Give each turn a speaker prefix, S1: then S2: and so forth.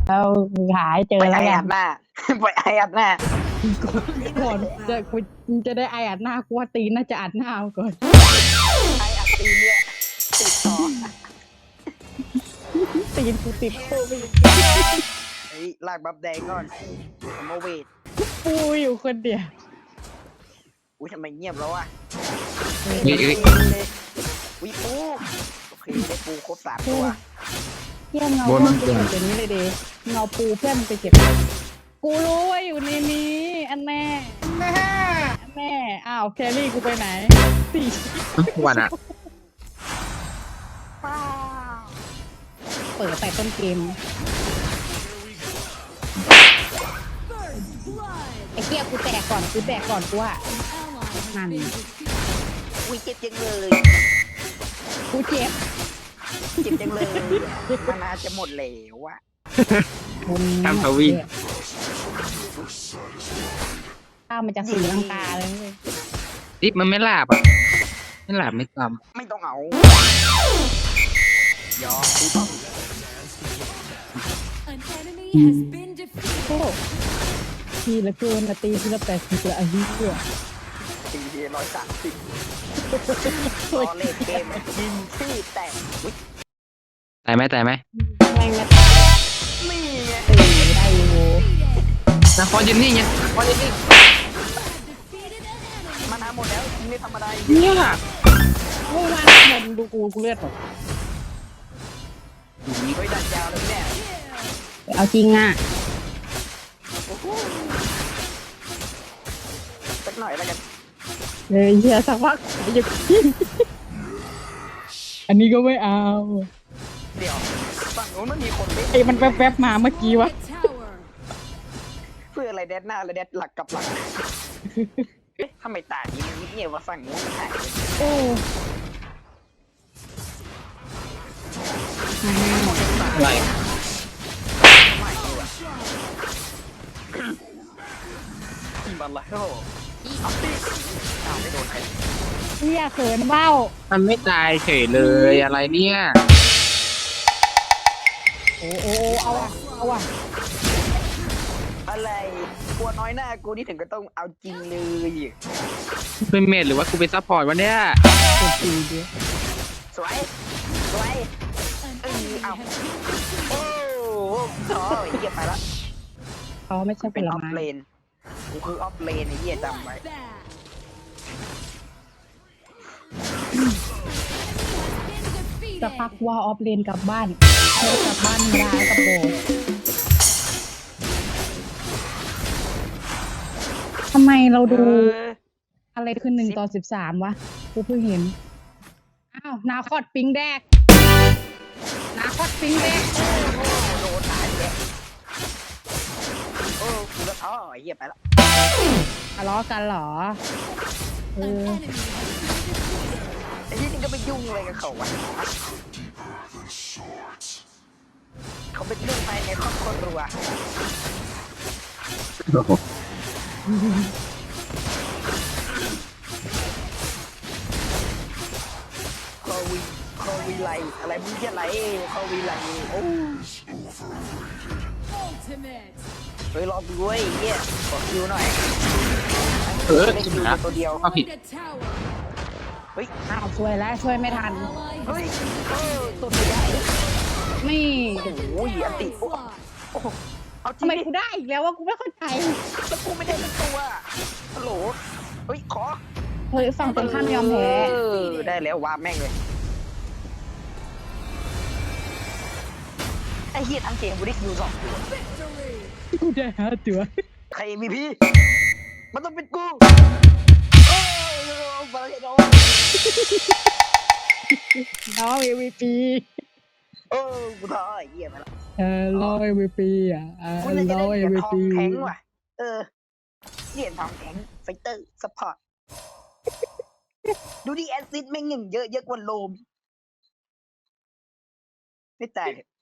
S1: แล้วหาให้เจอ
S2: ไป
S1: แล้วกั
S2: ไออัดหน้าไปไออัดหน้า
S1: ก่อนจะได้ไออัดหน้ากูว่าตีนน่าจะอัดหน้าก่อน
S2: ไออัดตีเนี่ยติดต่อ
S1: ตีนกูติดโควิด
S2: เฮ้ยลากบับแดงก่อนโมเวท
S1: ปูอยู่คนเดียว
S2: อุ้ยทำไมเงียบแล้วอ่ะ
S3: นี่
S2: วิปูโอเคได้ปูครบ3 ตัว
S1: เที่ยงเงาเพื่อนไปเก็บอย่างนี้เลยดิเงาปูเพื่อนไปเก็บกูรู้ว่าอยู่ในนี้อันแน่แม่อ้าวแครี่กูไปไหนสี่
S3: วันอะ
S1: เปิดแต่ต้นเกมไอ้เกี้ยกูแตกก่อนกูว่านั่น
S2: อุ้ยเจ็บจังเลย
S1: กูเจ็บ
S2: เจ็บจังเลยมันน่าจะหมดแล้วอะ
S3: ทำทวี
S1: ข้าวมันจะสีลังกาเลย
S3: ดิบมันไม่หลับอ่ะไม่หลับไม่จ
S2: ไม่ต้องเอายอมกูต้อง
S1: โอ้ทีละเกินละตีทีละ80ละอายุเพื่อ
S2: ตี130ตอนเล่นเกมยิงที่แตกอุ้ย
S3: ำตายไหม
S1: แรงมา
S2: นี่ไง
S1: ตีได้อยู่
S3: นครยืนนี่ไงนครยืนนี่
S2: มานาหมดแล้วไม่ธรรมดา
S3: เนี่ย
S1: เมื่อวานมันดูกูเลือดหมด
S2: เฮ้ยดันยาวเลยเนี่ย
S1: เอาจริงอ่ะ
S2: โอ้โหสักหน่อยแล้วกัน
S1: เลยเฮียสักพักอย่ากินอันนี้ก็ไม่เอา
S2: เดี๋ยวฝั่งนู้นมันมีคนเล่น
S1: ไอ้มันแวบๆมาเมื่อกี้วะ
S2: เพื่ออะไรแดดหน้าและแดดหลักกับหลังเอ๊ะทำไมตานี้มันเงียบว่าฝั่งนู้นมันหายไป
S1: โอ้
S3: อะไร
S2: ไม่ดีว่ะอีบัลล่ะโอ้เอาสิอ้าวไม่โดนใคร
S1: เฮียเขินเบ้า
S3: มันไม่ตายเฉยเลยอะไรเนี่ย
S1: โอ้เอาว่ะ
S2: อะไรกลัวน้อยหน้ากูนี่ถึงก็ต้องเอาจริงเลย
S3: เป็นเมดหรือว่ากูเป็นซัพพอร์ตวะเนี่ย
S1: โอ้ตีดิ
S2: สวยสวยเอาโอ้โหเหี้ยไปละ
S1: เขาไม่ใช่ผ
S2: เป็น
S1: ล
S2: ออฟ
S1: ไม้
S2: เลนกูคือออฟเลนไอ้เหี้ยจำไว้
S1: จะพักว่าออฟเลนกลับบ้านเธอกลับบ้านไม่ได้กับโบทำไมเราดูอะไรขึ้น1/13วะกูเพิ่งเห็นอ้าวนาคอดปิงแดกนาคอดปิงแดก
S2: โดนหายเลยโอ้กูจะท้อไอ้เหี้ยไปละ
S1: ทะเลาะกันเหรอเออ
S2: ไอ้เหี้ยนี่ก็ไปยุ่งอะไรกับเขาวะเขาเป็นเรื่องภายในครอบครัวคอวีไลอะไรมึงเหี้ยอะไรคอวีไลโอ้เฮ้ยรอกูด้วยไอ้เหี้ยขอคิวหน่อย เล่นคิวตัวเดียว
S3: เอาผิด
S2: เฮ้ย
S1: อ้าวช่วยแล้วช่วยไม่ทัน
S2: เฮ้ยตัวไม่ได้
S1: นี่
S2: โอ้ยอันติโอ้โหเอาจริ
S1: ทำ
S2: ง
S1: ไม
S2: ดิ
S1: กูได้อีกแล้วว่ากูไม่เข้าใจ
S2: แล้วกูไม่ได้เป็นตัวฮัลโหลเฮ้ยขอ
S1: เฮ้ยฝั่งตรงข้ามยอมแพ้
S2: ได้แล้ววาแม่งเลยไอ้เหี้ยทั้งเกมกูได้คิว2 ตัว
S1: กูได้5 ตัว
S2: ใคร MVP มันต้องเป็นกูโอ้ยบาเลโด
S1: น้อง MVP
S2: โอ้กูท้อไอ้เหี้ยไปละ
S1: รอ MVP อ่ะ
S2: กูน่าจะ
S1: ร
S2: ได้
S1: อ
S2: เหรียญทอง
S1: MVP
S2: แข็งว่ะเหรียญทองแข็งไฟเตอร์ซัพพอร์ตดูดิแอสซิสต์แม่งหนึ่งเยอะกว่าโลมไม่ตายเถอะ